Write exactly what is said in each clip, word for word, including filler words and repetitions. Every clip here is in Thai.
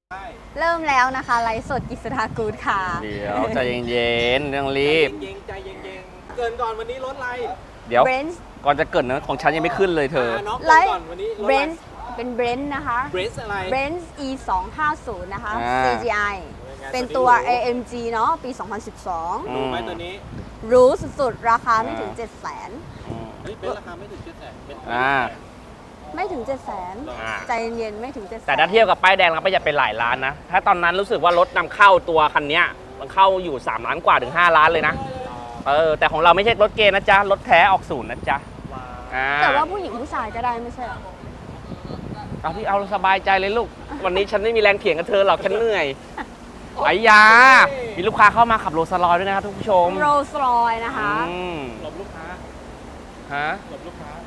เริ่มแล้วนะคะไลฟ์สดกิษดากูดค่ะเดี๋ยวใจเย็นๆเรื่องรีบเย็นๆใจเย็นๆเกินก่อนวันนี้รถอะไรเดี๋ยวเบรนซ์ก่อนจะเกิดนะของฉันยังไม่ขึ้นเลยเธอไลฟ์เบรนซ์เป็นเบรนซ์นะคะเบรนซ์อะไรเบรนซ์ อี สองห้าศูนย์นะคะอ่าซี จี ไอ เป็นตัว เอ เอ็ม จี เนาะปี สองพันสิบสองดูไหมตัวนี้รู้สุดๆ ราคาไม่ถึง เจ็ดแสนเฮ้ยเป็นราคาไม่ถึงเจ็ดแสนเป็นอ่าไม่ถึง เจ็ดแสนอ่าใจเย็นๆไม่ถึง เจ็ดแสนแต่ถ้าเทียบกับป้ายแดงเราประหยัดไปหลายล้านนะ ถ้าตอนนั้นรู้สึกว่ารถนำเข้าตัวคันนี้มันเข้าอยู่สามล้านกว่าถึงห้าล้านเลยนะ เออ แต่ของเราไม่ใช่รถเกณฑ์นะจ๊ะ รถแท้ออกศูนย์นะจ๊ะอ่าแต่ว่าผู้หญิงผู้ชายก็ได้ไม่ใช่เหรอเอาที่เอาสบายใจเลยลูก วันนี้ฉันไม่มีแรงเถียงกับเธอหรอกฉันเหนื่อยไอ้ยา มีลูกค้าเข้ามาขับโรลส์รอยซ์ด้วยนะครับทุกผู้ชมโรลส์รอยซ์นะคะอืมหลบลูกค้าฮะหลบลูกค้า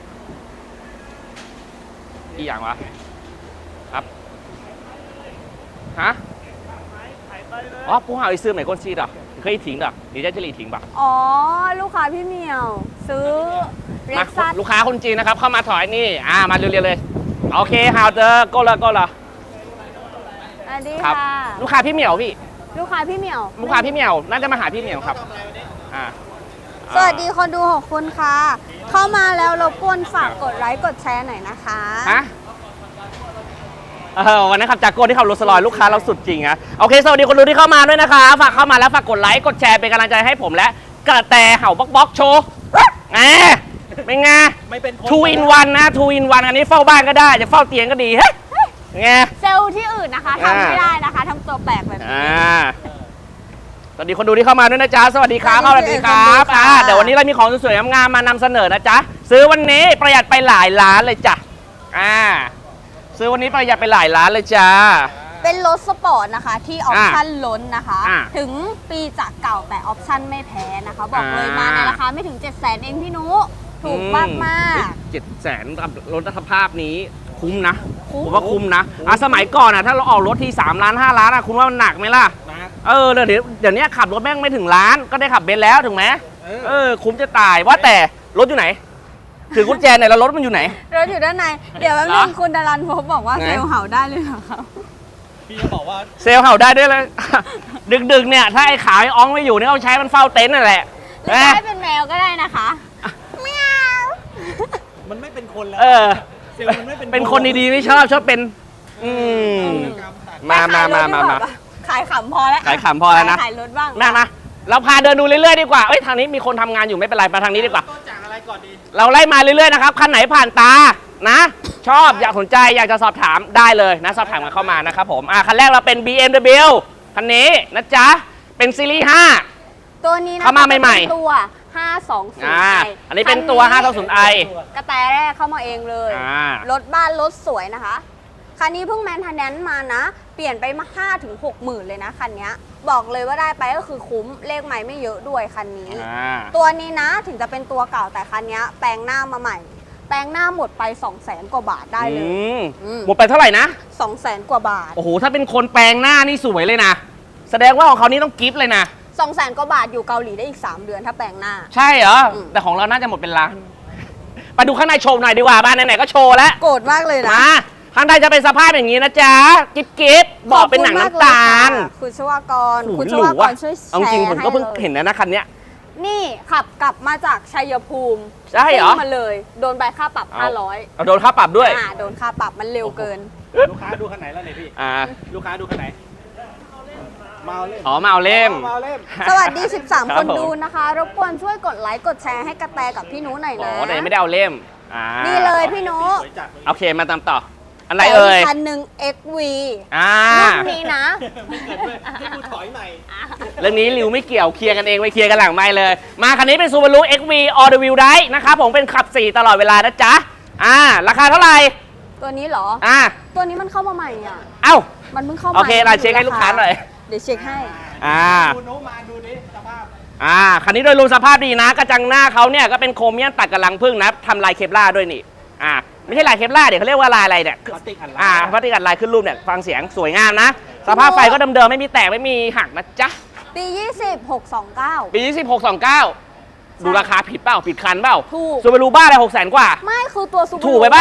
อีกอย่างวะครับฮะอ๋อผู้หาไอ้ซื้อไหนก้นซีดอ่ะเคยทิ้งอ่ะดีใจจะรีทิ้งป่ะอ๋อ ลูกค้าพี่เหมียว ซื้อเร็มากซัสลูกค้าคนจีนนะครับเข้ามาถอยนี่อ่ามาเร็วๆเลยโอเคฮาวเดอร์ก็ละก็ละอันนี้ครับค่ะลูกค้าพี่เหมียวพี่ลูกค้าพี่เหมียวลูกค้าพี่เหมียวน่าจะมาหาพี่เหมียวครับอ่าสวัสดีคนดูหกคนค่ะ เข้ามาแล้วรบกวนฝากกดไลค์กดแชร์หน่อยนะคะฮะเออวันนั้นขับจากโก้ที่ขับโรลส์รอยซ์ลูกค้าเราสุดจริงอะโอเคสวัสดีคนดูที่เข้ามาด้วยนะคะฝากเข้ามาแล้วฝากกดไลค์กดแชร์เป็นกำลังใจให้ผมและกระแตเห่าบล็อกบล็อกโชว์แหมเป็นไงไม่เป็นทูอินวันนะทูอินวันอันนี้เฝ้าบ้านก็ได้จะเฝ้าเตียงก็ดีเฮ้ยไงเซลล์ที่อื่นนะคะทำไม่ได้นะคะทำตัวแปลกแบบนี้อ่าสวัสดีคนดูที่เข้ามาด้วยนะจ๊ะสวัสดีครับสสวัวัสสดีดีคครัรับบอ่าเดี๋ยววันนี้เรามีของสวยๆงามๆมานำเสนอนะจ๊ะซื้อวันนี้ประหยัดไปหลายล้านเลยจ้ะอ่าซื้อวันนี้ประหยัดไปหลายล้านเลยจ้าเป็นรถสปอร์ตนะคะที่ออปชั่นล้นนะคะอ่าถึงปีจากเก่าแต่ออปชั่นไม่แพ้นะคะ บอกเลยอ่ามมาในราคาไม่ถึง เจ็ดแสนเองพี่นุถูกมากมากเจ็ดแสนกับรถสภาพนี้คุ้มนะคุ้มผมว่าคุ้มนะอ่ะสมัยก่อนอ่ะถ้าเราออกรถที่สามล้านห้าล้านอ่ะคุณว่ามันหนักไหมล่ะนะเออเดี๋ยวเดี๋ยวนี้ขับรถแม่งไม่ถึงล้านก็ได้ขับเบนซ์แล้วถึงไหมเออเออคุ้มจะตายว่าแต่รถอยู่ไหนถือกุญแจไหนแล้วรถมันอยู่ไหนรถอยู่ด้านใน เดี๋ยวแป๊บเหรนึองคุณดารันพบบอกว่าไหนเซลล์เห่าได้เลยเหรอครับพี่จะบอกว่าเซลล์เห่าได้ด้วยเลย ดึกๆเนี่ยถ้าไอ้ขาวไอ้อ้องไม่อยู่เนี่ยเอาใช้มันเฝ้าเต็นท์นั่นแหละหรือจะให้เป็นแมวก็ได้นะคะเมียวมันไม่เป็นคนแล้วเออเซลล์มันไม่เป็นเป็นคนดีๆไม่ชอบชอบเป็น อืมมามามามามาขายขำพอแล้วขายขำพอแล้วนะขายรถบ้างมามาเราพาเดินดูเรื่อยๆดีกว่าเอ้ยทางนี้มีคนทำงานอยู่ไม่เป็นไรไปทางนี้ดีกว่าต้นจากอะไรก่อนดีเราไล่มาเรื่อยๆนะครับคันไหนผ่านตานะ ชอบอยากสนใจอยากจะสอบถามได้เลยนะสอบถามกันเข้ามานะครับผมอ่ะคันแรกเราเป็น บี เอ็ม ดับเบิลยู คันนี้นะจ๊ะเป็นซีรีส์ห้าตัวนี้นะเข้ามาใหม่ๆเป็นตัวห้าสองศูนย์อ่าไออันนี้เป็นตัว ห้าสองศูนย์ ไอกระแตแรกเข้ามาเองเลยอ่ารถบ้านรถสวยนะคะ คันนี้เพิ่งแมนเทนแนนซ์มานะ เปลี่ยนไปมาห้าถึงหกหมื่นเลยนะคันนี้บอกเลยว่าได้ไปก็คือคุ้มเลขใหม่ไม่เยอะด้วยคันนี้อ่าตัวนี้นะถึงจะเป็นตัวเก่าแต่คันนี้แปลงหน้ามาใหม่ แปลงหน้าหมดไป สองแสน กว่าบาทได้เลยอืมอืมหมดไปเท่าไหร่นะสองแสน กว่าบาทโอ้โหถ้าเป็นคนแปลงหน้านี่สวยเลยนะแสดงว่าของเขานี่ต้องกิฟต์เลยนะสองแสน กว่าบาทอยู่เกาหลีได้อีก สาม เดือนถ้าแปลงหน้าใช่เหรออืมแต่ของเราน่าจะหมดเป็นล้านไปดูข้างในโชว์หน่อยดีกว่าบ้านไหนๆก็โชว์แล้วโกรธมากเลยนะมาข้างในจะเป็นสภาพอย่างนี้นะจ๊ะกิ๊บกิ๊บบอกเป็นหนังน้ำตาลขอบคุณมากเลยค่ะคุณชวากรโอ้โหคุณชหรูวากว่ะรช่วยแชเอาร์จริงผมก็เพิ่งให้ลยเห็นนะนะคันเนี้ยนี่ขับกลับมาจากชัยภูมิใช่เหรอซิ่งมาเลย โดนใบค่าปรับเอาห้าร้อยเอาโดนค่าปรับด้วยอ่าโดนค่าปรับมันเร็วเกินลูกค้าดูคันไหนแล้วเนี่ยพี่อ่าลูกค้าดูคันไหนเมาเล่มอ๋อมาเอาเล่มเมาเล่มสวัสดี สิบสามรับคนผมดูนะคะ รบกวนช่วยกดไลค์กดแชร์ให้กระแตกับพี่นุหน่อยอ๋นะอแต่ยังไม่ได้เอาเล่มอ่านี่เลยพี่นุสวยจัดโอเคมาตามต่ออะไรเอ่ยขคันหนึ่ง เอ็กซ์ วีอ่ารุ่นนี้นะไม่เกิดด้วยให้กูถอยใหม่เรื่องนี้ริวไม่เกี่ยวเคลียร์กันเองไปเคลียร์กันหลังไม่เลย มาคันนี้เป็น Subaru เอ็กซ์ วี All the Wheel Drive นะครับผมเป็นขับสี่ตลอดเวลานะจ๊ะอ่าราคาเท่าไหร่ตัวนี้เหรออ่าตัวนี้มันเข้ามาใหม่อ่ะเอ้ามันเพิ่งเข้ามาโอเคเราเช็คให้ลูกค้าหน่อยเดี๋ยวเช็คให้อ่าดูโน้มาดูนี้สภาพอ่าคันนี้โดยรวมสภาพดีนะ กระจังหน้าเขาเนี่ยก็เป็นโครเมียมตัดกับลังพึ่งนะทำลายเคปลาร์ด้วยนี่อ่าไม่ใช่ลายเคปลาร์เดี๋ยวเขาเรียกว่าลายอะไรเนี่ยพลาสติกอัดลายอ่าพลาสติกอัดลายขึ้นรูปเนี่ยฟังเสียงสวยงามนะ สภาพไฟก็เดิมๆไม่มีแตกไม่มีหักนะจ๊ะปี ยี่สิบ หกสองเก้าปียี่สิบหกสองเก้าดูราคาผิดเปล่าผิดคันเปล่าถูกซูเปอร์รูบ้าอะไรหกแสนกว่าไม่คือตัวซูถูกไปปะซ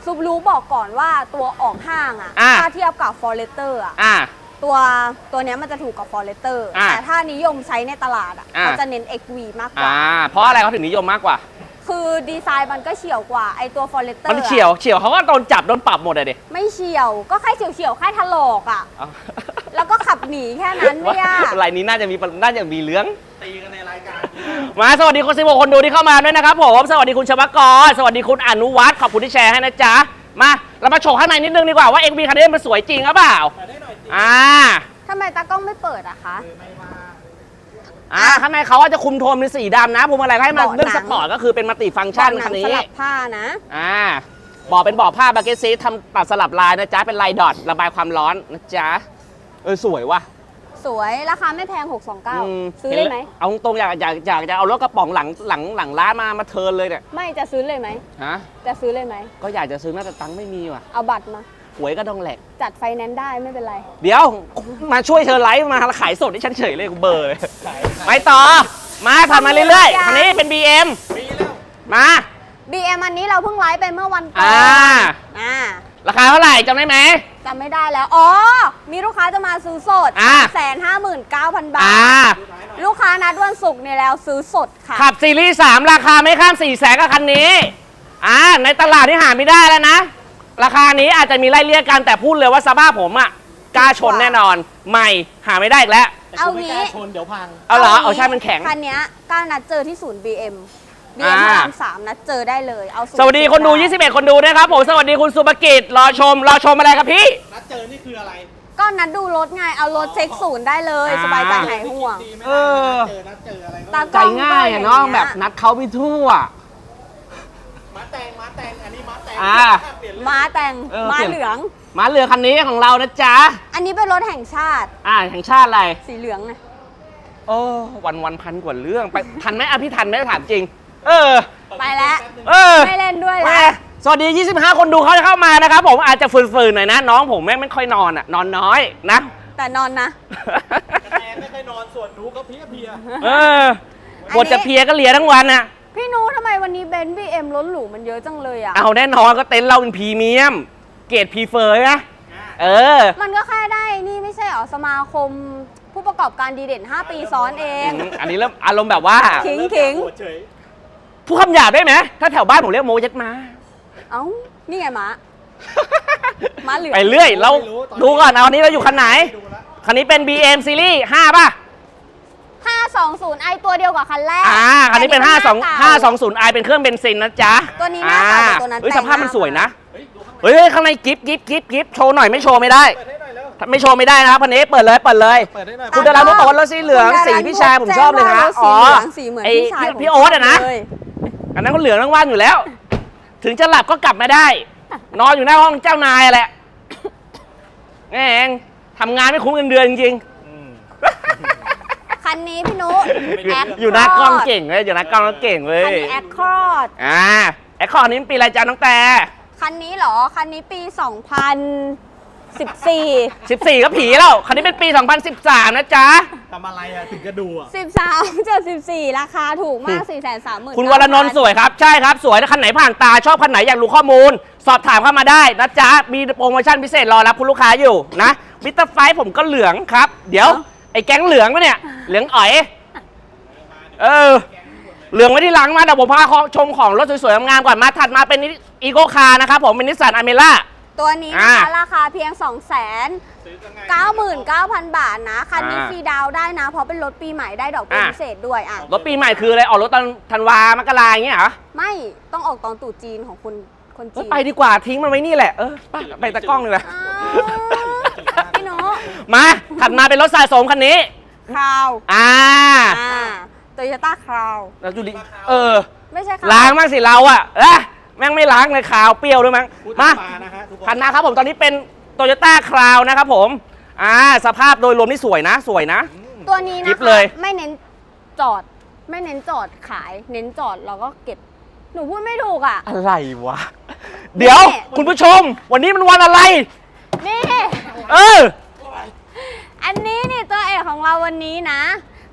ซูบารุบอกก่อนว่าตัวออกห้างอะอ่ะถ้าเทียบกับ Forester อะอ่าตัวตัวเนี้ยมันจะถูกกับ Forester อ่ะแต่ถ้านิยมใช้ในตลาดอะอ่ะเขาจะเน้น เอ็กซ์ วี มากกอ่าว่าเพราะอะไรเขาถึงนิยมมากกว่าคือดีไซน์มันก็เฉียวกว่าไอตัว Forester มันเฉียวเฉียวเขาก็โดนจับโดนปรับหมดเลยดิไม่เฉียวก็แค่เฉียวเฉียวๆแค่ถลอกอะเอาแล้วก็ขับหนีแค่นั้นไม่ยากรายนี้น่าจะมีน่าจะมีเรื่องตีกันในรายการมาสวัสดีคนสิบหกคนดูที่เข้ามาด้วยนะครับผมสวัสดีคุณชวกรสวัสดีคุณอนุวัฒน์ขอบคุณที่แชร์ให้นะจ๊ะมาเรามาโชว์ข้างในนิดนึงดีกว่าว่า เอ็กซ์ วี คันนี้มันสวยจริงหรือเปล่ามาได้หน่อยสิอ่าทำไมตากล้องไม่เปิดอะคะไม่ว่าอ่าข้างในเขาว่าจะคุมโทนเป็นสีดำนะพวงมาลัยให้มาเบาะหนังเรื่องสปอร์ตก็คือเป็นมัลติฟังก์ชันหนัคันสนี้ลับผ้านะอ่าบอกเป็นบอกผ้าบาเกตซีทำตัดสลับลายนะจ๊ะเป็นลายดอทระบายความร้อนนะจ๊ะเออสวยว่ะสวยราคาไม่แพงหกสองเก้าอืมซื้อเลยไหมเอาตรงๆอยากอยากอยากจะเอารถกระป๋องหลังหลังหลังร้านมามาเทิร์นเลยเนี่ยไม่จะซื้อเลยไหมฮะจะซื้อเลยไหมก็อยากจะซื้อน่าจะตังค์ไม่มีว่ะเอาบัตรมาหวยก็ต้องแหลกจัดไฟแนนซ์ได้ไม่เป็นไรเดี๋ยวมาช่วยเธอไลฟ์มาขายสดที่ฉันเฉยเลยกูเบอร์เลยไปต่อมาถัดมาเรื่อยๆคันนี้เป็น บี เอ็มมีแล้วมาบี เอ็ม อันนี้เราเพิ่งไลฟ์ไปเมื่อวันก่ออ่านอ่าราคาเท่าไหร่จำได้ไหมจำไม่ได้แล้ว อ๋อ มีลูกค้าจะมาซื้อสดอ่าแสนห้าหมื่นเก้าพันบาอ่าท ลูกค้านัดวันศุกร์เนี่ยแล้วซื้อสดค่ะขับซีรีส์สามราคาไม่ข้ามสี่แสนกับคันนี้อ่าในตลาดที่หาไม่ได้แล้วนะ ราคานี้อาจจะมีไล่เลี่ยกันแต่พูดเลยว่าสภาพผมอ่ะกล้าชนแน่นอนใหม่หาไม่ได้อีกแล้วแต่เอากูไม่งี้กล้าชนเดี๋ยวพังเอาเหรองี้เอาใช่มันแข็งคันเนี้ยกล้านัดเจอที่ศูนย์ บี เอ็ม บี เอ็มอ่าพระรามสามนัดเจอได้เลย เอาสวัสดีคนดูยี่สิบเอ็ดคนดูนะครับผมสวัสดีคุณสุภกิจรอชมรอชมอะไรครับพี่นัดเจอนี่คืออะไรก็นัดดูรถไง เอารถเช็คศูนย์ได้เลยอ่าสบายใจหายห่วงดีไหมเออนัดเจอนัดเจออะไรก็ตาใจง่ายอะเนาะแบบนัดเขาไปทั่วม้าแตงม้าแตงอันนี้ม้าแตงอ่าเปลี่ยนเรื่องม้าแต่งเออม้าเปลี่ยนเหลืองมาเรือคันนี้ของเรานะจ๊ะอันนี้เป็นรถแห่งชาติอ่าแห่งชาติอะไรสีเหลืองไงโอ้วันวันพันกว่าเรื่องไปทันไหมอ่ะพี่ทันไหมถามจริง เออไปแล้วเออไม่เล่นด้วยแม่แล้วสวัสดี ยี่สิบห้า คนดูเขาจะเข้ามานะครับผมอาจจะฝืนๆหน่อยนะ น้องผมแม่งไม่ค่อยนอนอ่ะ นอนน้อยนะแต่นอนนะแอนไม่เคยนอนส่วนหนูก็เพลียเพลียเออปวดจะเพลียก็เลียทั้งวันน่ะพี่นูทำไมวันนี้เบนซ์บีเอ็มรถหรูมันเยอะจังเลยอ่ะเอาแน่นอนก็เต็นท์เราเป็นพรีเมียม เกรดพรีเฟอร์นะเออมันก็แค่ได้นี่ไม่ใช่เหรอสมาคมผู้ประกอบการดีเด่น ห้า ปีซ้อนเองอันนี้เริ่มอารมณ์แบบว่าขิงขิงปวดเฉยพูดคำหยาบได้ไหมถ้าแถวบ้านผมเรียกโมยัดมาเอ้า นี่ไงม้า ม้าเหลืองไปเรื่อย เราดูก่อนเอาอันนี้เราอยู่คันไหนดูแล้วคันนี้เป็น บี เอ็ม ซีรีส์ห้าป่ะห้าสองศูนย์ไอตัวเดียวกับคันแรกอ่า คันนี้เป็นแต่ห้าสองหน้ห้าเก่สองศูนย์ไอเป็นเครื่องเบนซินนะจ๊ะตัวนี้หน้าเก่าแต่ตัวนั้นเฮ้ยแต่สงภาพมันสวยนะเฮ้ยดูข้างในเฮ้ยข้างในกิฟกิฟกิฟกิฟโชว์หน่อยไม่โชว์ไม่ได้เปิดให้หน่อยเร็วถ้าไม่โชว์ไม่ได้นะครับคันนี้เปิดเลยเปิดเลยเปิดให้หน่อยคุณดาราโมบอกว่ารถสีเหลืองคุณดาราสีพี่ชายผมชอบเลยฮะแจ้งว่ารถสีเหลืองสีเหมือนไอ้พี่ชายพี่ผมพี่โอ๊ตอะนะชบเลยอันนั้นเขาเหลืองทั้งวันอยู่แล้ว ถึงจะหลับก็กลับมาได้ นอนอยู่หน้าห้องเจ้านายแหละแม่งทำงานไม่คุ้มเงินเดือนจริงอืมคันนี้พี่นุๆแอคอยู่หน้ากล้องเก่งเลยอยู่หน้ากล้องแล้วเก่งเลคันยนี้แอคคอร์ดอ่าไอ้ข้อนี้มันปีอะไรจ้าน้องแต่คันนี้เหรอ คันนี้ปี สองพันสิบสี่สิบสี่ก็ผีแล้ว คันนี้เป็นปี สองพันสิบสาม นะจ๊ะทำอะไรอ่ะถึงกระดูอ่ะสิบสามเจ็ดสิบสี่ราคาถูกมาก สี่แสนสามหมื่นคุณวรนนท์สวยครับ ใช่ครับ สวยถ้าคันไหนผ่านตา ชอบคันไหนอยากรู้ข้อมูล สอบถามเข้ามาได้นะจ๊ะ มีโปรโมชั่นพิเศษรอรับคุณลูกค้าอยู่นะมิสเตอร์ไฟผมก็เหลืองครับ เดี๋ยว ไอ้แก๊งเหลืองปะเนี่ย เหลืองอ๋อย เออ เหลืองไว้ที่หลังมาเดี๋ยวผมพาชมของรถสวยๆงามๆก่อนมาถัดมาเป็นอีโกคาร์นะครับผมเป็นนิสสันอเมร่าตัวนี้นะคะอ่าราคาเพียง สองแสนเก้าหมื่นเก้าพัน บาทนะ คันนี้อ่าฟรีดาวน์ได้นะ เพราะเป็นรถปีใหม่ได้ดอกเบี้ยอ่าพิเศษด้วยอ่ะรถปีใหม่คืออะไร ออกรถตอนธันวามกราอย่างเงี้ยเหรอไม่ต้องออกตอนตรุษจีนของคุณคนเอ้ยจีนไปดีกว่าทิ้งมันไว้นี่แหละ เออไปไปตะกล้องเลยอ้าวพี่โนมาถัดมาเป็นรถสะสมคันนี้คราวอ่าอ่าโตโยต้าคราวแล้วดูดิเออไม่ใช่คราวล้างบ้างสิเราอะเอ๊ะแม่งไม่ล้างเลยขาวเปรี้ยวด้วยมั้งพูดมามานะฮะทุกคนคันหนะครับผมตอนนี้เป็นโตโยต้าคราวนะครับผมอ่าสภาพโดยรวมนี่สวยนะ สวยนะตัวนี้กิ๊นะบเลคะยไม่เน้นจอด ไม่เน้นจอดขาย เน้นจอดเราก็เก็บ หนูพูดไม่ถูกอ่ะอะไรวะ เดี๋ยวนี่คุณผู้ชม วันนี้มันวันอะไรนี่เอออันนี้นี่ตัวเอกของเราวันนี้นะ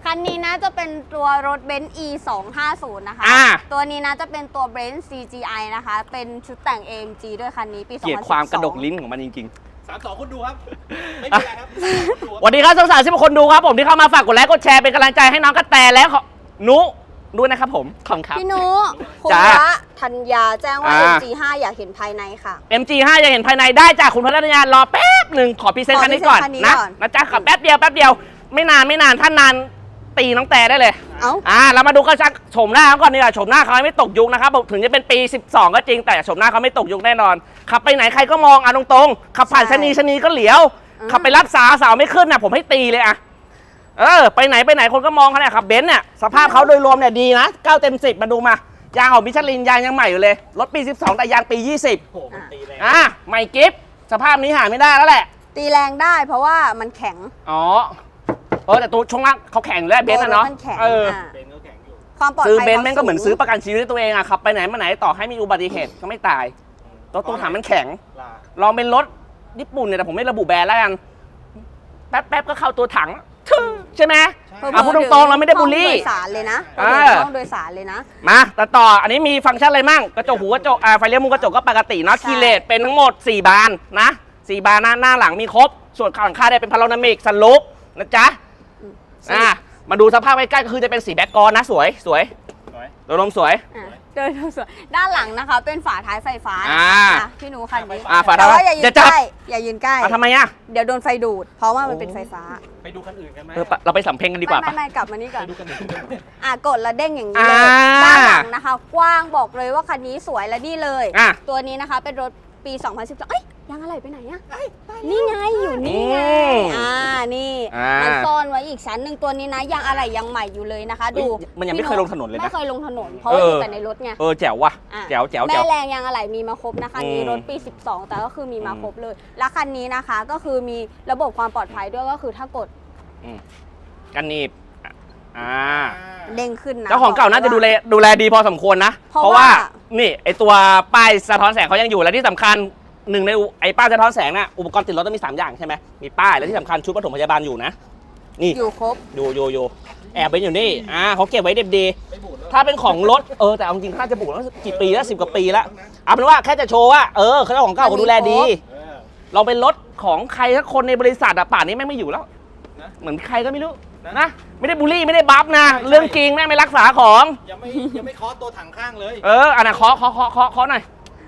คันนี้นะจะเป็นตัวรถเบนซ์ อี สองห้าศูนย์ นะคะอ่าตัวนี้นะจะเป็นตัวเบนซ์ ซี จี ไอ นะคะ เป็นชุดแต่ง เอ เอ็ม จี ด้วยคันนี้ปี สองเกลียดพันสิบสองความกระดกลิ้นของมันจริงสามสองคนดูครับ ไม่มีอะไรครับๆสวัสดีครับสาวๆที่คนดูครับผมที่เข้ามาฝากกดไลค์กดแชร์เป็นกำลังใจให้น้องกระแตและขอนุด้วยนะครับผมขอบคุณครับพี่นุคุณจ้าพระธัญญาแจ้งว่าอ่าเอ็ม จี ห้า อยากเห็นภายในค่ะเอ็ม จี ห้า อยากเห็นภายในได้จากคุณพนักงานรอแป๊บหนึ่งขอพรีเซนต์ขอคันนี้ก่อนพรีเซนต์คันนี้นะก่อนนะจ๊ะขอแป๊บเดียวแป๊บเดียวไม่นานไม่นานถ้านานตีน้องแต่ได้เลยเอ้าอ่าเรามาดูกันชักโฉมหน้าเขาก่อนดีกว่าโฉมหน้าเขาไม่ตกยุคนะครับถึงจะเป็นปี สิบสอง ก็จริงแต่โฉมหน้าเขาไม่ตกยุคแน่นอนขับไปไหนใครก็มองอ่ะตรงๆขับผ่านใช่ชะนีชะนีก็เหลียวอืมขับไปรับสาวสาวไม่ขึ้นนะผมให้ตีเลยอะเออไปไหนไปไหนคนก็มองเขาเนี่ยขับเบนซ์เนี่ยสภาพเขาโดยรวมเนี่ยดีนะเก้าเต็มสิบมาดูมายางของมิชลินยางยังใหม่อยู่เลยรถปี สิบสอง แต่ยางปี ยี่สิบโอ้โหมันตีแรงอ่ะใหม่กิฟต์สภาพนี้หาไม่ได้แล้วแหละตีแรงได้เพราะว่ามันแข็งอ๋อเออแต่ตัวช่วงล่างเขาแข่งอยู่แล้วเบนซ์นะเนาะตัวรถมันแข็งเอออ่าเบนก็แข็งอยู่ความปลอดภัยซื้อเบนซ์แม่งก็ขาเหมือนซื้อประกันชีวิตให้ตัวเองอะขับไปไหนมาไหนต่อให้มีอุบัติเหตุก็ไม่ตายตัวตัวถังมันแข็งลาลองเป็นรถญี่ปุ่นเนี่ยแต่ผมไม่ระบุแบรนด์แล้วกันแป๊บแป๊บก็เข้าตัวถังทึ่งใช่ไหมเพิ่มอ่ะพูดตรงๆเราไม่ได้บูลลี่ห้องโดยสารเลยนะอ่าห้องโดยสารเลยนะมาแต่ต่ออันนี้มีฟังก์ชันอะไรมั่งกระจกหูกระจกอ่าไฟเลี้ยวมุมกระจกก็ปกติเนาะใช่คีเลตเป็นทั้งหมดสี่บานนะสี่บานหน้าหน้าหลังมีครบ ส่วนข้างหลังคาได้เป็นพาราโนมิกสันลูปนะจ๊ะอ่ามาดูสภาพใกล้ๆก็คือจะเป็นสีแบ็กกรอนนะสวยสวยสวยตัวลมสวยอ่ะเดินดูสวยด้านหลังนะคะ เป็นฝาท้ายไฟฟ้าอ่าอ่ะพี่หนูคันนี้อ่าฝาท้ายแต่ว่าอย่ายือย่าน จับใกล้อย่ายืนใกล้อ่ะทำไมอ่ะเดี๋ยวโดนไฟดูด เพราะว่ามันเป็นไฟฟ้าไปดูคันอื่นกันไหมเออปะเราไปสำเพ็งกันดีกว่าไม่ปะไม่ไม่กลับมานี่ก่อนไปดูคันอื่นกันไหมอ่ะกดแล้วเด้งอย่างนี้เลยอ่าด้านหลังนะคะ กว้างบอกเลยว่าคันนี้สวยและนี่เลยอ่ะตัวนี้นะคะเป็นรถปี สองพันสิบสอง เอ้ยยังอะไรไปไหนอะนี่ไงอยู่นี่ไงอืมอ่านี่อ่ามัมันซ่อนไว้อีกชั้นหนึ่งตัวนี้นะยังอะไรยังใหม่อยู่เลยนะคะ ดูเอ้ยมันยังไม่เคยลงถนนเลยนะไม่เคยลงถนนเพราะว่าเออออยู่แต่ในรถไงเออแจ๋วว่ะอ่ะแจ๋วแจ๋วแม่แจ๋วแรงยังอะไรมีมาครบนะคะอืมมีรถปี สิบสอง แต่ก็คือมีมาอืมครบเลย และคันนี้นะคะก็คือมีระบบความปลอดภัยด้วยก็คือถ้ากดอืมกันหนีบอ่าเด้งขึ้นนะเจ้าของเก่าน่าจะดูแลดูแลดีพอสมควรนะเพราะเพราะว่าว่านี่ไอตัวป้ายสะท้อนแสงเขายังอยู่และที่สำคัญหนึ่งในอุไอป้ายสะท้อนแสงน่ะอุปกรณ์ติดรถต้องมีสามอย่างใช่ไหมมีป้ายและที่สำคัญชุดปฐมพยาบาลอยู่นะนี่อยู่ครบอยู่อยู่อยู่แอบไปอยู่นี่อ่าเขาเก็บไว้เด็บดีไม่บูดแล้วถ้าเป็นของรถเออแต่เอาจริงๆน่าจะบุกแล้วกี่ปีแล้วสิบกว่าปีแล้วเอาเป็นว่าแค่จะโชว์ว่าเออเขาเจ้าของเก่าเขาดูแลดีเออเราเป็นรถของใครสักคนในบริษัทอะป่านนี้แม่งไม่อยู่แล้วนะเหมือนใครก็ไม่รู้นะนะไม่ได้บูลลี่ไม่ได้บัฟนะใช่ใช่เรื่องจริงแม่งไม่รักษาของยังไม่ยังไม่เคาะตัวถังข้างเลยเอออันน่ะเคาะเคาะเคาะเคาะเคาะหน่อย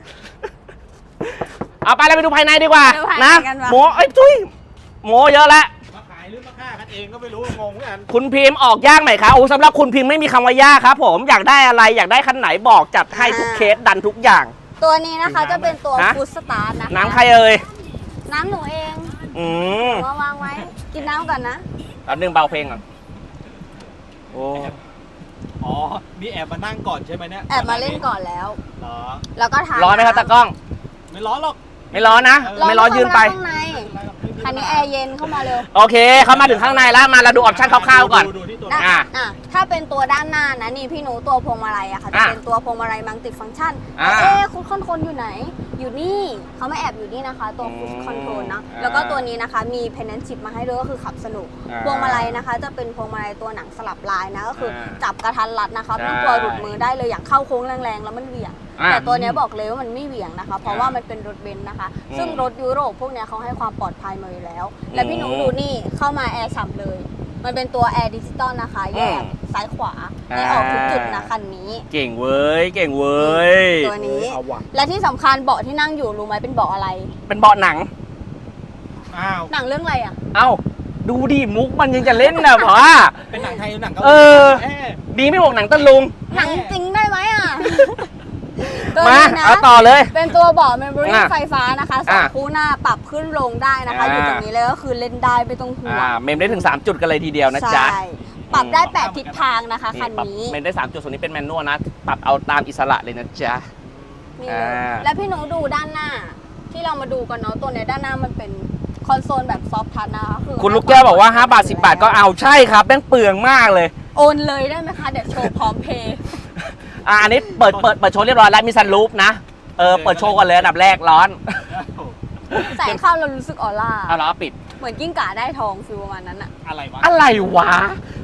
เอาไปแล้วไปดูภายในดีกว่าไปดูภายในนะกันว่ะโมเอ้ยทุยโมเยอะแล้วมาขายหรือมาฆ่ากันเองก็ไม่รู้งงเหมือนกันคุณพิมพ์ออกยากไหมคะโอ้สำหรับคุณพิมพ์ไม่มีคำว่ายากครับผมอยากได้อะไรอยากได้คันไหนบอกจัดให้ทุกเคสดันทุกอย่างตัวนี้นะคะจะเป็นตัวฮะฟูดสตาร์ทนะคะน้ำใครเอ่ยน้ำหนูเองอืมมาวางไว้ กินน้ำก่อนนะแป๊บนึงเบาเพลงก่อนโอ้อ๋อมีแอบมานั่งก่อนใช่ไหมเนี่ยแอบมาเล่นก่อนแล้วเหรอแล้วก็ทานร้อนไหมครับตากล้องไม่ร้อนหรอกไม่ร้อนนะ ไม่ร้อนยืนไปข้างในคันนี้แอร์เย็นเข้ามาเร็วโอเคเข้ามาถึงข้างในแล้วมาเราดูออปชั่นคร่าวๆก่อนดูดูที่ตัวด้านอ่ะอ่ะถ้าเป็นตัวด้านหน้านะนี่พี่หนูตัวพวงมาลัยอะค่ะจะอ่ะเป็นตัวพวงมาลัยมัลติฟังก์ชันอ่ะเอ๊ะคุณคนคนอยู่ไหน อยู่นี่เขาไม่แอบอยู่นี่นะคะ ตัวอืมฟูดคอนโทรลนะอ่ะแล้วก็ตัวนี้นะคะมีเพนนันชิพมาให้ด้วยก็คือขับสนุกอ่ะพวงมาลัยนะคะ จะเป็นพวงมาลัยตัวหนังสลับลายนะก็คืออา จับกระทันรัดนะคะไม่ต้องกลัวใช่หลุดมือได้เลยอย่างเข้าโค้งแรงๆแล้วมันเหวี่ยงอ่ะแต่ตัวเนี้ยบอกเลยว่ามันไม่เหวี่ยงนะคะ เพราะว่ามันเป็นรถเบนซ์นะคะอืมซึ่งรถยุโรปพวกเนี้ยเขาให้ความปลอดภัยมาอยู่แล้ว และพี่หนูอืมดูนี่เข้ามาแอร์ฉ่ำเลย มันเป็นตัวแอร์ดิจิตอลนะคะ แยกอืมซ้ายขวาอ่าให้ออกทุกจุดนะคันนี้เก่งเว้ยเก่งเว้ยตัวนี้เอาว่ะและที่สำคัญเบาะที่นั่งอยู่รู้ไหมเป็นเบาะอะไรเป็นเบาะหนังอ้าวหนังเรื่องอะไรอ่ะเอ้าดูดิมุกมันยังจะเล่นนะเพราะว่าเป็นหนังไทยหรือหนังเกาหเอลีอเอ๊ะดีไม่บอกหนังตะลุงหนังจริงได้ไหมอ่ะ ตัวมานี้นะเอาต่อเลยเป็นตัวเบาะเมมโมรี่อ่ะไฟฟ้านะคะสองอ่ะคู่หน้าปรับขึ้นลงได้นะคะอ่าอยู่ตรงนี้เลยก็คือเล่นได้ไม่ต้องห่วงอ่าเมมได้ถึงสามจุดกันเลยทีเดียวนะจ๊ะใช่ปรับได้แปดทิศทางนะคะคันปรับนี้เมมได้สามจุดส่วนนี้เป็นแมนนวลนะปรับเอาตามอิสระเลยนะจ๊ะนี่เลยอ่าแล้วพี่หนูดูด้านหน้า ที่เรามาดูกันเนาะตัวเนี้ยด้านหน้ามันเป็นคอนโซลแบบซอฟท์ทัชนะคะคือคุณลูกแก้วบอกว่าห้าบาทสิบบาทก็เอาใช่ครับแม่งเปลืองมากเลยโอนเลยได้ไหมคะเดี๋ยวโชว์พร้อมเพย์อ่าอันนี้เปิดเปิดเปิดโชว์เรียบร้อยแล้วมีซันรูฟนะเออเปิดโชว์กันเลยอันดับแรกร้อนแสงเข้าเรารู้สึกออร่าเอาล้อปิดเหมือนกิ้งก่าได้ทองฟิลประมาณนั้นอะอะไรวะอะไรวะ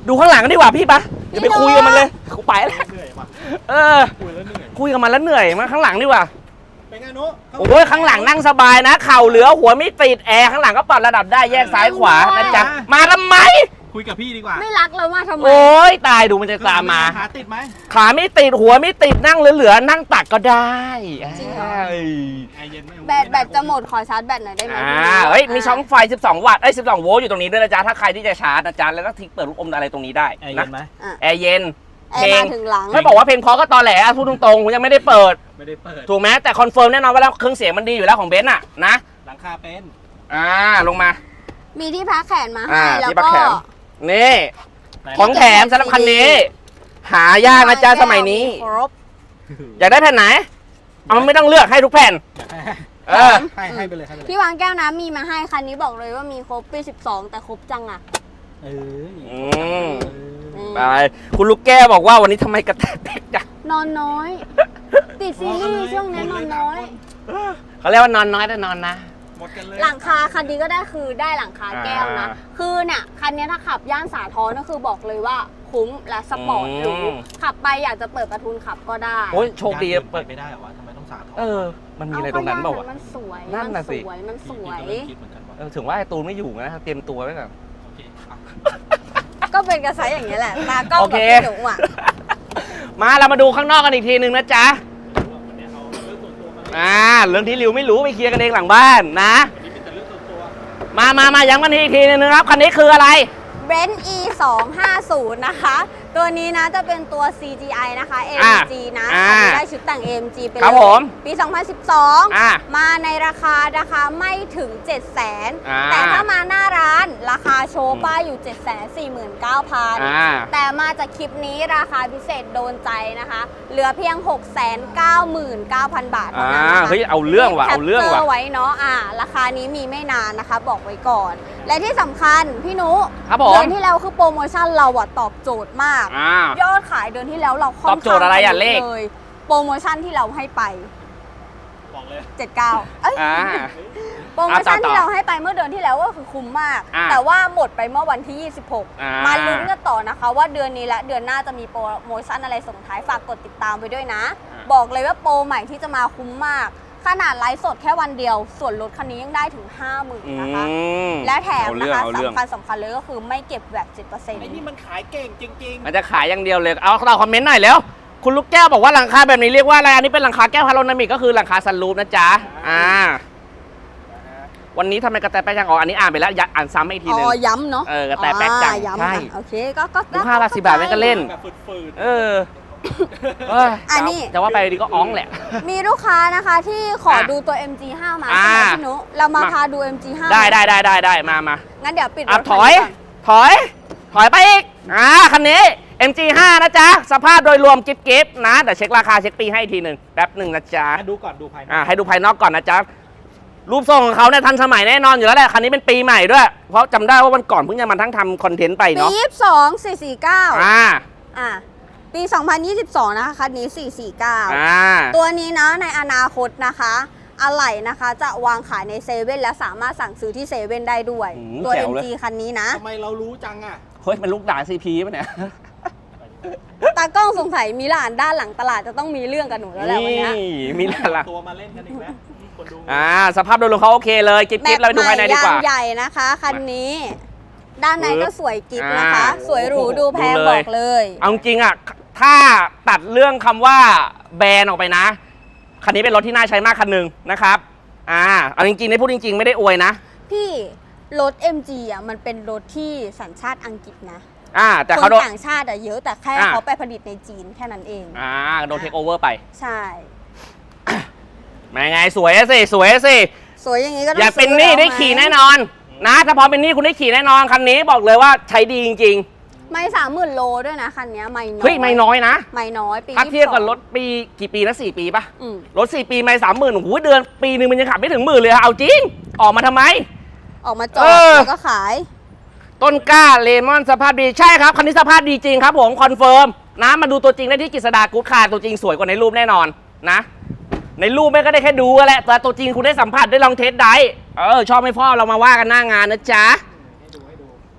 ดูข้างหลังกันดีกว่าพี่ปะอย่าไปคุยกับมันเลยกูไปแล้วเหนื่อยว่ะเออคุยแล้วเหนื่อยคุยกับมันแล้วเหนื่อยมาข้างหลังดีกว่าเป็นไงนุ๊กโอ้ยข้างหลังนั่งสบายนะเข่าเหลือหัวไม่ติดแอร์ข้างหลังก็ปรับระดับได้แยกซ้ายขวานะจ๊ะมาทำไมคุยกับพี่ดีกว่าไม่รักเรามาทำไมโอ้ยตายดูมันจะตามมาขาติดไหมขาไม่ติดหัวไม่ติดนั่งเหลือๆนั่งตักก็ได้จริงเหรอเอ้ยแอร์เย็นไหมแบตแบตจะหมดขอชาร์จแบตหน่อยได้ไหมอ่าเฮ้ยมีช่องไฟสิบสองวัตต์ไอ้ยสิบสองโวลต์อยู่ตรงนี้ด้วยนะจ๊ะถ้าใครที่จะชาร์จนะจ๊ะแล้วก็ทิ้งเปิดลูกอมอะไรตรงนี้ได้แอร์เย็นะนไหมอ่ะแอร์เย็นแอร์มาถึงหลังไม่บอกว่าเพลงเพราะก็ตอแหลอ่ะพูดตรงๆผมยังไม่ได้เปิดไม่ได้เปิดถูกไหมแต่คอนเฟิร์มแน่นอนว่าแล้วเครื่องเสียงมันดีอยู่แล้วของเบนซ์อ่ะนะหลังคาเป็นอ่าลงมามีที่พักแขนมาอ่าให้แล้วที่ปักก็แขนนี่ของแถมสำหรับคันนี้ หายากนะจ๊ะสมัยนี้ครบอยากได้แผ่นไหนเอามันไม่ต้องเลือกให้ทุกแผ่น เออให้ให้ไปเลยให้ไปเลยพี่วางแก้วน้ำมีมาให้คันนี้บอกเลยว่ามีครบปีสิบสองแต่ครบจังอ่ะเอออืมเออไปคุณลูกแก้วบอกว่าวันนี้ทำไมกระแทกเด็กจังนอนน้อย ติดซีรีส์ช่วงนี้นอนน้อยเขาเรียกว่านอนน้อยแต่นอนนะหมดกันเลยหลังคาคันนี้ก็ได้คือได้หลังคาแก้วนะอ่าคือเนี่ยคันนี้ถ้าขับย่านสาทรก็คือบอกเลยว่าคุ้มและสปอร์ตหรูอืมขับไปอยากจะเปิดประทุนขับก็ได้โอ้ยโชคดีเปิเปิดดไม่ได้เหรอวะทำไมต้องสาธรเออ มันมีอะไรตรงนั้นเปล่าวะมันสวยนั่นน่ะสิมัสวยมันสวยพี่ก็เริ่มคิดเหมือนกันว่าเออถึงว่าไอ้ตูนไม่อยู่นะเตรียมตัวไว้ก่อนโอเคอ่ะก็เป็นกระไซอย่างนี้ยแหละตากล้องโอกับเคพี่หนูอ่ะมาเรามาดูข้างนอกกันอีกทีหนึ่งนะจ๊ะวันนี้เอาเรื่องส่วนตัวมาอ่าเรื่องที่ริวไม่รู้ไปเคลียร์กันเองหลังบ้านนะวันนี้เป็นแต่เรื่องส่วนตัวมามามาย้ำกันอีกทีหนึงนะครับคันนี้คืออะไรเบนซ์ อี สองห้าศูนย์ นะคะ ตัวนี้นะจะเป็นตัว ซี จี ไอ นะคะ เอ็ม จี นะอ่าอันนี้ได้ชุดแต่ง เอ็ม จี ไปเลครับผมยปี สองพันสิบสองอ่ามาในราคานะคะไม่ถึง เจ็ดแสนอ่าแต่ถ้ามาหน้าร้านราคาโชว์ป้ายอยู่ เจ็ดแสนสี่หมื่นเก้าพันอ่าแต่มาจากคลิปนี้ราคาพิเศษโดนใจนะคะ เหลือเพียง หกแสนเก้าหมื่นเก้าพัน บาทเท่าอ่านั้นนะคะเฮ้ยเอาเรื่องว่ะเอาเรื่องแคปจว่ะไว้เนาะอ่าราคานี้มีไม่นานนะคะ บอกไว้ก่อน และที่สำคัญพี่นุครับผมเดือนที่แล้วคือโปรโมชั่นเราอะตอบโจทย์มากอ่ายอดขายเดือนที่แล้วเราค่อนตอบโจทย์อะไรอะข้างเลขเลยโปรโมชั่นที่เราให้ไปบอกเลยเจ็ดเก้าเอ้ยอ่าโปรโมชั่นอ่ะต่อที่เราให้ไปเมื่อเดือนที่แล้วก็คือคุ้มมากอ่ะแต่ว่าหมดไปเมื่อวันที่ ยี่สิบหกอ่ามมาลุ้นกันต่อนะคะ ว่าเดือนนี้และเดือนหน้าจะมีโปรโมชั่นอะไรส่งท้ายฝากกดติดตามไปด้วยนะ บอกเลยว่าโปรใหม่ที่จะมาคุ้มมาก ขนาดไลฟ์สดแค่วันเดียว ส่วนลดคันนี้ยังได้ถึง ห้าหมื่นอืนะคะมและแถมเอานะเรื่องคะเอาเรื่องสำคัญสำคัญเลยก็คือไม่เก็บแบบ สิบเปอร์เซ็นต์ไอ้นี่มันขายเก่งจริงมันจะขายอย่างเดียวเลย เอาเราคอมเมนต์หน่อยแล้ว คุณลูกแก้วบอกว่าหลังคาแบบนี้เรียกว่าอะไร อันนี้เป็นหลังคาแก้วพาโรนามิกก็คือหลังคาซันรูฟนะจ๊ะ อ่า วันนี้ทำไมกระแตแป๊กจังอ๋ออันนี้อ่านไปแล้วอยากอ่านซ้ำให้อีกทีหนึงอ๋อ ย้ำเนาะเออกระแตแป๊กจังอ่าย้ำใช่อ่ะโอเคก็ก็ดูห้าบาทสิบบาทแม่งก็เล่นๆ แบบฝืดเออเอ้ยอันนี้จะว่าไปดีก็อ้องแหละมีลูกค้านะคะที่ขออ่ะดูตัว เอ็ม จี ห้า มาอ่าใช่ไหมพี่นุเรามามาพาดู เอ็ม จี ห้าได้ได้ได้ได้ได้มามางั้นเดี๋ยวปิดรอ่ะถถอยคันนี้ก่นถอย ถอยไปอีก อ่า คันนี้ เอ็ม จี ห้า นะจ๊ะ สภาพโดยรวมกิ๊บกิ๊บนะ เดี๋ยวเช็คราคาเช็คปีให้อีกทีหนึ่งแป๊บหนึ่งนะจ๊ะๆดูก่อนดูภายในอ่า ให้ดูภายนอกก่อนนะจ๊ะ รูปทรงของเขาเนี่ยทันสมัยแน่นอนอยู่แล้วแหละ คันนี้เป็นปีใหม่ด้วย เพราะจำได้ว่าวันก่อนเพิ่งจะมาทั้งทำคอนเทนต์ไปปีเนาะยี่สิบสอง สี่สี่เก้าอ่าอ่ะปี สองพันยี่สิบสอง นะคะคันนี้ สี่สี่เก้าอ่าตัวนี้นะในอนาคตนะคะอะไหล่นะคะจะวางขายในเซเว่นและสามารถสั่งซื้อที่เซเว่นได้ด้วยอืมตัวแจ๋วเลยเอ็ม จี คันนี้นะทำไมเรารู้จังอ่ะเฮ้ย มันลูกด่าซีพีป่ะเนี่ยตากล้องสงสัยมีหลานด้านหลังตลาดจะต้องมีเรื่องกับหนูแล้วแหละวันเนี้ยนี่มีอะไรล่ะตัวมาเล่นกันอีกแล้วคนดูอ่า สภาพโดยรวมเขาโอเคเลยกิ๊บกิ๊บเราไปดูภายในดีกว่าแมปใหม่ยางใหญ่นะคะคันนี้ ด้านในก็สวยกิ๊บนะคะอ่าสวยหรูดูแพงดูเลยบอกเลยเอาจริงๆอ่ะ ถ้าตัดเรื่องคำว่าแบรนด์ออกไปนะ คันนี้เป็นรถที่น่าใช้มากคันหนึ่งนะครับ อ่า เอาจริงๆในพูดจริงๆ ไม่ได้อวยนะพี่รถ เอ็ม จี อ่ะมันเป็นรถที่สัญชาติอังกฤษนะอ่า แต่คเขานโดนต่างชาติอะเยอะแต่แค่อ่าเขาไปผลิตในจีนแค่นั้นเองอ่า โดนเทคโอเวอร์ไปใช่มาไงสวยอะสิ สวยอะสิสวยอย่างนี้ก็ต้ออง ย่าเป็นหนี้ซื้ได้แล้วหมขี่แน่นอน นะ ถ้าพอเป็นหนี้คุณได้ขี่แน่นอน คันนี้บอกเลยว่าใช้ดีจริงไม่สามหมื่นโลด้วยนะคันนี้ไม่น้อยๆ เฮ้ย ไม่น้อยนะไม่น้อยปีถ้าเทียบกับยี่สิสองรถปีกี่ปีนะสี่ปีปะอืมรถสี่ปีไม่สามหมื่นโอ้โหเดือนปีหนึ่งมันยังขับไม่ถึงหมื่นเลยอะเอาจริง ออกมาทำไมออกมาจอดเออแล้วก็ขายต้นกล้าเลมอนสภาพดีใช่ครับคันนี้สภาพดีจริงครับผมคอนเฟิร์มนะมาดูตัวจริงได้ที่กฤษดากู๊ดคาร์ตัวจริงสวยกว่าในรูปแน่นอนนะ ในรูปแม่ก็ได้แค่ดูแหละแต่ตัวจริงคุณได้สัมผัสได้ลองเทสได้เออชอบไม่พ่อเรามาว่ากันหน้างานนะจ๊ะ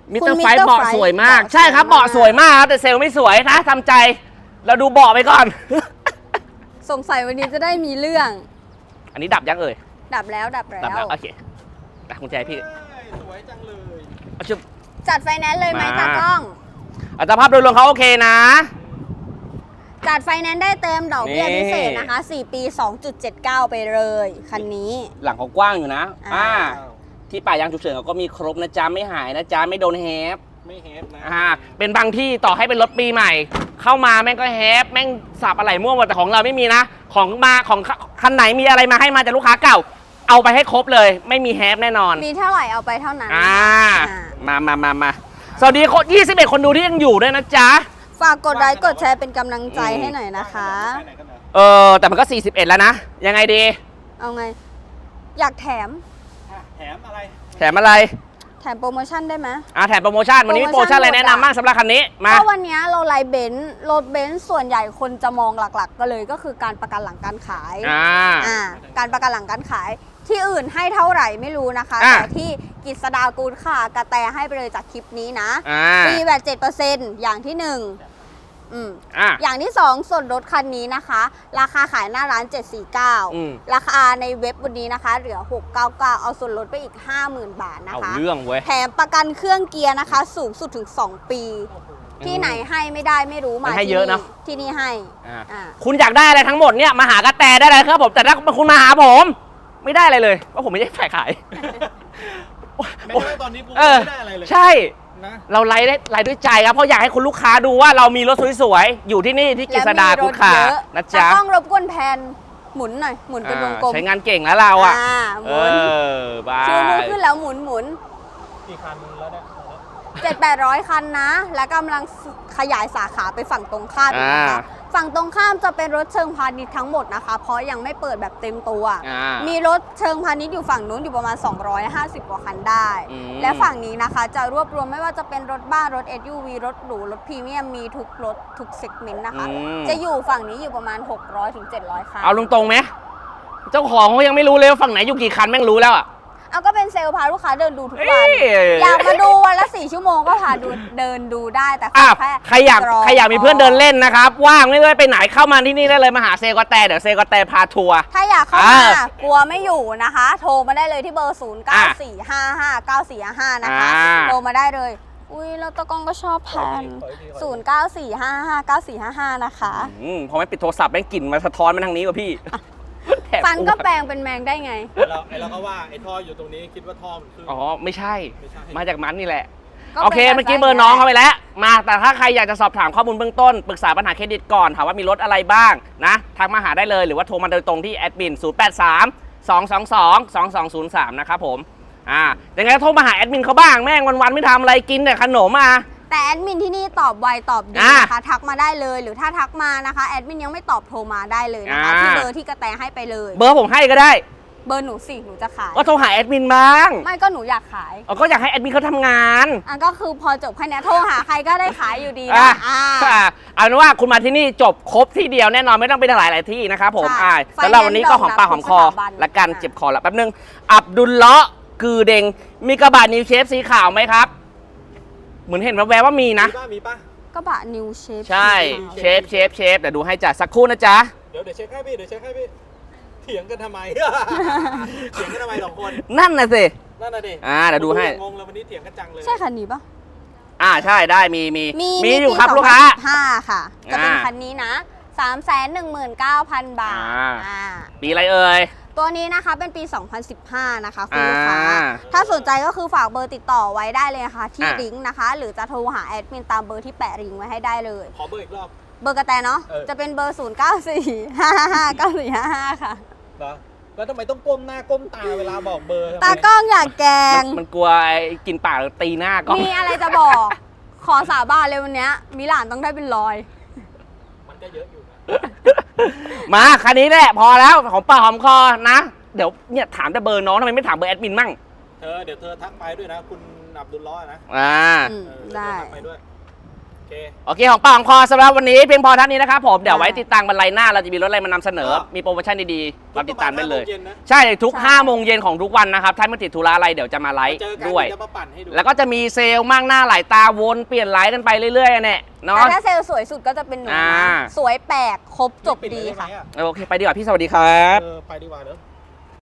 มิสเตอร์คุณไฟ Mister เบาะ Fry สวยมากเบาะใช่ครับสวยมากเบาะสวยมากครับแต่เซลล์ไม่สวยนะทำใจ เราดูเบาะไปก่อนสงสัยวันนี้จะได้มีเรื่องอันนี้ดับยังเอ่ยดับแล้วดับแล้ดับแล้ววโอเคแต่คุณแจให้พี่เอ้ยสวยจังเลยเอาชุบจัดไฟแนนซ์เลยไหมมาตากล้องอัตราภาพโดยรวมเขาโอเคนะจัดไฟแนนซ์ได้เต็มดอกเบี้ยนี่พิเศษนะคะ สี่ ปี สองจุดเจ็ดเก้า ไปเลย คันนี้หลังเขากว้างอยู่นะอ่าอ่าที่ป่ายางฉุกเฉินเขาก็มีครบนะจ๊ะไม่หายนะจ๊ะไม่โดนแฮปไม่เฮฟนะอ่าเป็นบางที่ต่อให้เป็นรถปีใหม่ เข้ามาแม่งก็แฮปแม่งสับอะไรมั่วหมดแต่ของเราไม่มีนะ ของมาของคันไหนมีอะไรมาให้มาจากลูกค้าเก่า เอาไปให้ครบเลย ไม่มีแฮปแน่นอนมีเท่าไหร่เอาไปเท่านั้นอ่าอ่ามามามามาสวัสดีคนยี่สิบเอ็ดคนดูที่ยังอยู่ด้วยนะจ๊ะฝากกดไลค์กดแชร์เป็นกำลังใจให้หน่อยนะคะไปไหนกันเหรอเออแต่มันก็สี่สิบเอ็ดแล้วนะ ยังไงดีเอาไง อยากแถมอ่ะแถมอะไรแถมอะไรแถมโปรโมชั่นได้ไหมอ่าแถมโปรโมชั่นวันนี้มีโปรโมชั่นอะไรแนะนำบ้างสำหรับคันนี้มาก็วันนี้เราไลฟ์เบนซ์รถเบนซ์ส่วนใหญ่คนจะมองหลักๆ ก็เลยก็คือการประกันหลังการขายอ่าอ่าการประกันหลังการขายที่อื่นให้เท่าไหร่ไม่รู้นะคะอ่ะแต่ที่กิษดากูลค่ะกระแตให้ไปเลยจากคลิปนี้นะอ่าฟรีแบบเจ็ดเปอร์เซ็นต์อย่างที่หนึ่งอืมอ่าอย่างที่สองส่วนลดคันนี้นะคะ ราคาขายหน้าร้านเจ็ดสี่เก้าอืมราคาในเว็บวันนี้นะคะ เหลือหกเก้าเก้าเอาส่วนลดไปอีก ห้าหมื่น บาทนะเอาคะเรื่องเว้ยแถมประกันเครื่องเกียร์นะคะ สูงสุดถึง สอง ปี ที่ไหนให้ไม่ได้ไม่รู้มัมานให้ที่เยอะเนอะที่นี่ให้อ่าอ่าคุณอยากได้อะไรทั้งหมดเนี่ยมาหากระแตได้เลยครับผมแต่ถ้าคุณมาหาผม ไม่ได้อะไรเลยเพราะผมไม่ได้ฝ่ายขายแม้กระทั่งตอนนี้กูเออไม่ได้อะไรเลยใช่นะเราไลฟ์ได้ไลฟ์ด้วยใจครับเพราะอยากให้คุณลูกค้าดูว่าเรามีรถสวยๆอยู่ที่นี่ที่กฤษดากุฎขาแล้วมีรถเยอะนะจ๊ะตากล้องรบกวนแพนหมุนหน่อยหมุนเป็นวงกลมใช้งานเก่งแล้วเราอ่ะอ่าหเอมุนอบาชูมือย ขึ้นแล้วหมุนหมุนกี่คันแล้วเนี่ยเจ็ดแปดร้อยคันนะ และกำลังขยายสาขาไปฝั่งตรงข้ามอีกนะคะอ่าฝั่งตรงข้ามจะเป็นรถเชิงพาณิชย์ทั้งหมดนะคะ เพราะยังไม่เปิดแบบเต็มตัวอ่ามีรถเชิงพาณิชย์อยู่ฝั่งนู้นอยู่ประมาณ สองร้อยห้าสิบ กว่าคันได้อืมและฝั่งนี้นะคะ จะรวบรวมไม่ว่าจะเป็นรถบ้านรถ เอส ยู วี รถหรูรถพรีเมียมมีทุกรถทุกเซกเมนต์นะคะอืมจะอยู่ฝั่งนี้อยู่ประมาณ หกร้อยถึงเจ็ดร้อย คันเอาตรงๆไหมเจ้าของเขายังไม่รู้เลยว่าฝั่งไหนอยู่กี่คันแม่งรู้แล้วอ่ะเอาก็เป็นเซลล์พาลูกค้าเดินดูทุกเอ้วันยอยากมาดูวันละสี่ชั่วโมงก็พาดูเดินดูได้แต่ขอ่ะอแค่ใครอยากรใครอยากมีเพื่อนเดินเล่นนะครับ ว่างไม่ได้ไปไหนเข้ามาที่นี่ได้เลยมาหาเซกอแตเดี๋ยวเซกอแตพาทัวร์ถ้าอยากเข้าอ่ามา กลัวไม่อยู่นะคะ โทรมาได้เลยที่เบอร์ ศูนย์ เก้า สี่ ห้า ห้า เก้า สี่ ห้า นะคะอ่าโทรมาได้เลย อุ้ยแล้วตะกล้องก็ชอบแพนศูนย์ เก้า สี่ ห้า ห้า เก้า สี่ ห้า ห้า นะคะอืมพอไม่ปิดโทรศัพท์แม่งกลิ่นมาสะท้อนมาทางนี้ว่ะพี่แถบฟันก็แปลงเป็นแมงได้ไงไอ้เราไอ้เราก็ว่าไอ้ท่ออยู่ตรงนี้คิดว่าท่อมันขึ้นอ๋อไม่ใช่ไม่ใช่มาจากมันนี่แหละก็โอเคเป็นเมื่อกี้แบบเบอร์น้องเขาไปแล้ว มาแต่ถ้าใครอยากจะสอบถามข้อมูลเบื้องต้น ปรึกษาปัญหาเครดิตก่อนถามว่ามีรถอะไรบ้างนะทักมาหาได้เลยหรือว่าโทรมาโดยตรงที่แอดมินศูนย์ แปด สาม สอง สอง สอง สอง สอง ศูนย์ สามนะครับผมอ่ายังไงก็โทรมาหาแอดมินเขาบ้างแม่งวันๆไม่ทำอะไรกินแต่ขนมอ่ะแต่แอดมินที่นี่ตอบไวตอบดีอ่านะคะ ทักมาได้เลย หรือถ้าทักมานะคะแอดมินยังไม่ตอบโทรมาได้เลยนะคะอ่าที่เบอร์ที่กระแตให้ไปเลยเบอร์ผมให้ก็ได้เบอร์หนูสิหนูจะขายก็โทรหาแอดมินบ้างไม่ก็หนูอยากขายเอาก็อยากให้แอดมินเขาทำงานอ่ะก็คือพอจบแค่เนี้ยโทรหาใครก็ได้ขายอยู่ดีอ่ะนะอ่าอ่ะเอาเป็นว่าคุณมาที่นี่จบครบที่เดียวแน่นอนไม่ต้องไปหลายหลายๆที่นะครับผมใช่อ่าไฟสำหรับวันนี้ก็หอมปากหอมคอทุกสถาบันละกันอ่ะเจ็บคอละแป๊บนึงอับดุลเลาะกือเดงมีกระบะนิวเชฟสีขาวไหมครับ เหมือนเห็นแววๆว่ามีนะมีป่ะมีป่ะก็บะนิวเชฟใช่เชฟเชฟเชฟเดี๋ยวดูให้จ้ะสักครู่นะจ๊ะเดี๋ยวเดี๋ยวเช็คให้พี่เดี๋ยวเช็คให้พี่เถียงกันทำไม เถียงกันทำไมสองคนนั่นน่ะสินั่นน่ะดิอ่าเดี๋ยวดูให้งงเลยวันนี้เถียงกันจังเลยใช่คันนี้ปะอ่าใช่ได้มีมีมีมีอยู่ปีครับลูกค้าสองพันสิบห้าค่ะ จะเป็นอ่าคันนี้นะ สามแสนหนึ่งหมื่นเก้าพัน บาทอ่าอ่าปีอะไรเอ่ยตัวนี้นะคะเป็นปี สองพันสิบห้า นะคะคุณลูกค้าอ่าถ้าสนใจก็คือฝากเบอร์ติดต่อไว้ได้เลยนะคะที่อ่ะลิงก์นะคะ หรือจะโทรหาแอดมินตามเบอร์ที่แปะลิงก์ไว้ให้ได้เลยขอเบอร์อีกรอบเบอร์กระแตเนาะเออจะเป็นเบอร์ ศูนย์ เก้า สี่ ห้า ห้า เก้า สี่ ห้า ห้า ค่ะเหรอแล้วทำไมต้องก้มหน้าก้มตาเวลาบอกเบอร์ทำไมตากล้องอยากแกงมันมันกลัวไอ้กินปากตีหน้าก็มีอะไรจะบอก ขอสาบานเลยวันเนี้ยมิลานต้องได้เป็นร้อยมันก็เยอะอยู่นะมาคันนี้แหละพอแล้วหอมปากหอมคอนะเดี๋ยวเนี่ยถามแต่เบอร์น้องทำไมไม่ถามเบอร์แอดมินมั่งเธอเดี๋ยวเธอทักไปด้วยนะ คุณอับดุลล้อฮ์นะอ่าอืมเออได้เธอทักไปด้วยโอเคโอเคของปากของคอสำหรับวันนี้เพียงพอเท่านี้นะครับผมเดี๋ยวไว้ติดตามกันไลน์หน้าเราจะมีรถอะไรมานำเสนอครับมีโปรโมชั่นดีๆเราติดตามได้เลยทุกประมาณห้าโมงเย็นนะใช่ทุกใช่ห้าโมงเย็นของทุกวันนะครับถ้าไม่ติดธุระอะไรเดี๋ยวจะมาไลฟ์เจอกันด้วยเดี๋ยวจะมาปั่นให้ดูแล้วก็จะมีเซลล์มากหน้าหลายตาวนเปลี่ยนไลฟ์กันไปเรื่อยๆเนี่ยแต่เนาะถ้าเซลล์สวยสุดก็จะเป็นหนูอ่านะสวยแปลกครบจบปิดีเลยไไหมค่ะอโอเคไปดีกว่าพี่สวัสดีครับเออไปดีกว่าเนอะ